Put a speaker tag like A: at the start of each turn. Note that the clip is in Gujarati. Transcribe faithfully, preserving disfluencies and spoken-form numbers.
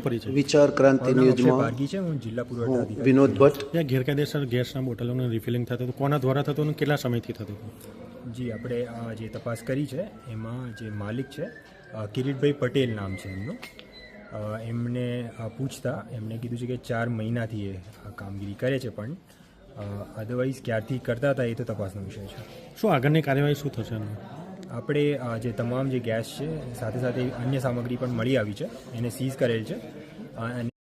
A: પરિચય?
B: વિચાર ક્રાંતિ ન્યૂઝમાં
C: બારગી છે, હું જિલ્લા પુરવઠા
B: હું
C: અધિકારી.
B: વિનોદ ભટ્ટ.
A: ત્યાં ગેરકાયદેસર ગેસના બોટલોનું રિફિલિંગ થતું હતું, કોના દ્વારા થતું અને કેટલા સમયથી થતું હતું?
C: જી, આપણે આ જે તપાસ કરી છે એમાં જે માલિક છે અ, કિરીટભાઈ પટેલ નામ છે એમનું. અ, એમને અ, પૂછતા એમણે કીધું છે કે ચાર મહિનાથી એ આ કામગીરી કરે છે, પણ અધરવાઇઝ ક્યારથી કરતા હતા એ તો તપાસનો વિષય છે.
A: શું આગળની કાર્યવાહી શું થશે એનું?
C: આપણે અ, જે તમામ જે ગેસ છે સાથે સાથે અન્ય સામગ્રી પણ મળી આવી છે એને સીઝ કરેલ છે. અ, અને